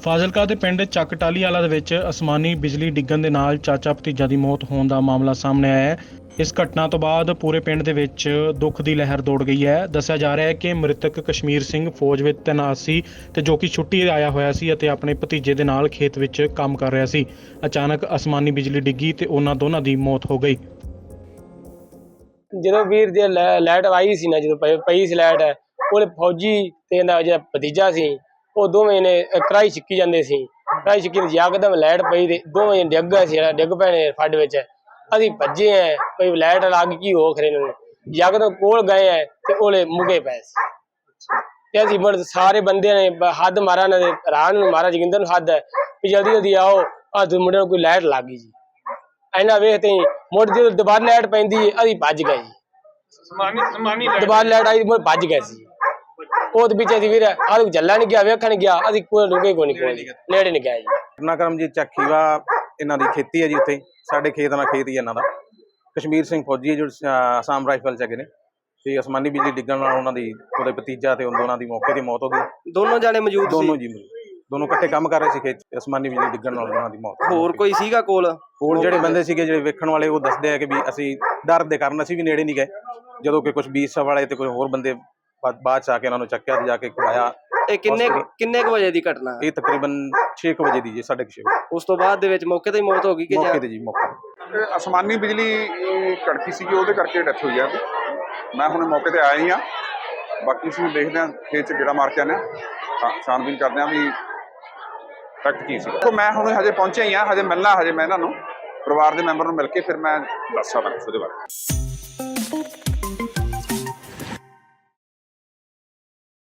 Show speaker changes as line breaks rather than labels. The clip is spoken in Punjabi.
ਫਾਜ਼ਿਲਕਾ ਦੇ ਪਿੰਡ ਚੱਕ ਟਾਹਲੀ ਵਾਲਾ ਦੇ ਵਿੱਚ ਅਸਮਾਨੀ ਬਿਜਲੀ ਡਿੱਗਣ ਦੇ ਨਾਲ ਚਾਚਾ ਭਤੀਜਾ ਦੀ ਮੌਤ ਹੋਣ ਦਾ ਮਾਮਲਾ ਸਾਹਮਣੇ ਆਇਆ ਹੈ। ਇਸ ਘਟਨਾ ਤੋਂ ਬਾਅਦ ਪੂਰੇ ਪਿੰਡ ਦੇ ਵਿੱਚ ਦੁੱਖ ਦੀ ਲਹਿਰ ਦੌੜ ਗਈ ਹੈ। ਦੱਸਿਆ ਜਾ ਰਿਹਾ ਹੈ ਕਿ ਮ੍ਰਿਤਕ ਕਸ਼ਮੀਰ ਸਿੰਘ ਫੌਜ ਵਿੱਚ ਤੈਨਾਤ ਸੀ ਤੇ ਜੋ ਕਿ ਛੁੱਟੀ ਆਇਆ ਹੋਇਆ ਸੀ ਅਤੇ ਆਪਣੇ ਭਤੀਜੇ ਦੇ ਨਾਲ ਖੇਤ ਵਿੱਚ ਕੰਮ ਕਰ ਰਿਹਾ ਸੀ। ਅਚਾਨਕ ਅਸਮਾਨੀ ਬਿਜਲੀ ਡਿੱਗੀ ਤੇ ਉਹਨਾਂ ਦੋਨਾਂ ਦੀ ਮੌਤ ਹੋ ਗਈ।
ਜਦੋਂ ਵੀਰ ਦੀ ਲਾਈਟ ਆਈ ਸੀ ਨਾ, ਜਦੋਂ ਪਈ ਸੀ ਲਾਈਟ, ਉਹਦੇ ਫੌਜੀ ਤੇ ਇਹਦਾ ਜਿਹੜਾ ਭਤੀਜਾ ਸੀ ਉਹ ਦੋਵੇਂ ਨੇ ਕੜਾਈ ਛਿੱਕੀ ਜਾਂਦੇ ਸੀ। ਕੜਾਈ ਛਿੱਕੀ ਯਕਦਮ ਲਾਈਟ ਪਈ ਤੇ ਦੋਵੇਂ ਡਿੱਗ ਗਏ ਸੀ, ਡਿੱਗ ਪਏ ਨੇ ਫੱਡ ਵਿੱਚ। ਅਸੀਂ ਭੱਜੇ ਹੈ, ਕੋਈ ਲਾਈਟ ਲੱਗ ਗਈ ਹੋ ਖਰੇ ਨੂੰ, ਯਕਦਮ ਕੋਲ ਗਏ ਹੈ ਤੇ ਉਹਲੇ ਮੁਗੇ ਪਏ ਸੀ। ਤੇ ਅਸੀਂ ਸਾਰੇ ਬੰਦੇ ਨੇ ਹੱਦ ਮਾਰਾ, ਇਹਨਾਂ ਦੇ ਰਾਹ ਨੂੰ ਮਾਰਾ, ਜੋਗਿੰਦਰ ਨੂੰ ਹੱਦ ਹੈ ਵੀ ਜਲਦੀ ਜਲਦੀ ਆਓ, ਆਹ ਮੁੰਡੇ ਨੂੰ ਕੋਈ ਲਾਈਟ ਲੱਗ ਗਈ ਜੀ। ਇਹਨਾਂ ਵੇਖਦੇ ਹੀ ਮੁੜ ਜਦੋਂ ਦੁਬਾਰਾ ਲਾਈਟ ਪੈਂਦੀ ਅਸੀਂ ਭੱਜ ਗਏ ਜੀ। ਦੁਬਾਰਾ ਲਾਈਟ ਆਈ ਮੁੜ ਭੱਜ ਗਏ ਸੀ। ਉਹਦੇ ਵਿੱਚ ਅਸੀਂ ਵੀਰ ਆਹ ਚੱਲਣ ਨਹੀਂ ਗਿਆ, ਵੇਖਣ ਗਿਆ, ਅਸੀਂ ਕੋਈ ਰੁਕੇ ਕੋਈ ਨਹੀਂ, ਨੇੜੇ ਨਹੀਂ ਗਿਆ ਜੀ।
ਘਟਨਾਕ੍ਰਮ ਜੀ ਚੱਕੀਵਾ ਇਹਨਾਂ ਦੀ ਖੇਤੀ ਹੈ ਜੀ। ਉੱਥੇ ਸਾਡੇ ਖੇਤ ਨਾਲ ਖੇਤ ਹੀ ਇਹਨਾਂ ਦਾ। ਕਸ਼ਮੀਰ ਸਿੰਘ ਫੌਜੀ ਜੋ ਆਸਾਮ ਰਾਈਫਲ 'ਚ ਹੈਗੇ ਨੇ, ਤੇ ਅਸਮਾਨੀ ਬਿਜਲੀ ਡਿੱਗਣ ਨਾਲ ਉਹਨਾਂ ਦੀ ਉਹਦੇ ਭਤੀਜਾ ਤੇ ਉਹਨਾਂ ਦੀ ਮੌਕੇ 'ਤੇ ਮੌਤ ਹੋ ਗਈ।
ਦੋਨੋਂ ਜਾਣੇ ਮੌਜੂਦ ਸੀ?
ਦੋਨੋਂ ਜੀ, ਦੋਨੋਂ ਇਕੱਠੇ ਕੰਮ ਕਰ ਰਹੇ ਸੀ ਖੇਤ 'ਚ। ਅਸਮਾਨੀ ਬਿਜਲੀ ਡਿੱਗਣ ਨਾਲ ਉਹਨਾਂ ਦੀ ਮੌਤ।
ਹੋਰ ਕੋਈ ਸੀਗਾ ਕੋਲ
ਜਿਹੜੇ ਬੰਦੇ ਸੀਗੇ, ਜਿਹੜੇ ਵੇਖਣ ਵਾਲੇ, ਉਹ ਦੱਸਦੇ ਆ ਕਿ ਵੀ ਅਸੀਂ ਡਰ ਦੇ ਕਾਰਨ ਅਸੀਂ ਵੀ ਨੇੜੇ ਨਹੀਂ ਗਏ, ਜਦੋਂ ਕਿ ਕੁਝ 20 ਵਾਲੇ ਤੇ ਕੋਈ ਹੋਰ ਬੰਦੇ ਬਾਅਦ 'ਚ ਆ ਕੇ ਉਹਨਾਂ ਨੂੰ ਚੱਕਿਆ ਤੇ ਜਾ ਕੇ ਖਵਾਇਆ।
ਇਹ ਕਿੰਨੇ ਕੁ ਵਜੇ ਦੀ ਘਟਨਾ?
ਇਹ ਤਕਰੀਬਨ 6 ਵਜੇ ਦੀ ਜੀ, 6:30 ਵਜੇ।
ਉਸ ਤੋਂ ਬਾਅਦ ਦੇ ਵਿੱਚ ਮੌਕੇ ਤੇ ਹੀ ਮੌਤ ਹੋ ਗਈ ਕਿ
ਮੌਕੇ ਤੇ ਜੀ? ਮੌਕੇ
ਅਸਮਾਨੀ ਬਿਜਲੀ ਕੜਕੀ ਸੀਗੀ, ਉਹਦੇ ਕਰਕੇ ਡੈਥ ਹੋਈ ਹੈ। ਮੈਂ ਹੁਣ ਮੌਕੇ ਤੇ ਆਇਆ ਹੀ ਹਾਂ। ਬਾਕੀ ਅਸੀਂ ਦੇਖਦੇ ਹਾਂ, ਖੇਤ 'ਚ ਗੇੜਾ ਮਾਰ ਕੇ ਆਉਂਦੇ ਹਾਂ, ਛਾਣਬੀਨ ਕਰਦੇ ਹਾਂ ਵੀ ਫੈਕਟ ਕੀ ਸੀ। ਮੈਂ ਹੁਣ ਹਜੇ ਪਹੁੰਚਿਆ ਹੀ ਹਾਂ, ਹਜੇ ਮਿਲਣਾ, ਹਜੇ ਮੈਂ ਇਹਨਾਂ ਨੂੰ ਪਰਿਵਾਰ ਦੇ ਮੈਂਬਰ ਨੂੰ ਮਿਲ ਕੇ ਫਿਰ ਮੈਂ ਦੱਸ ਸਕਦਾ ਉਹਦੇ ਬਾਰੇ।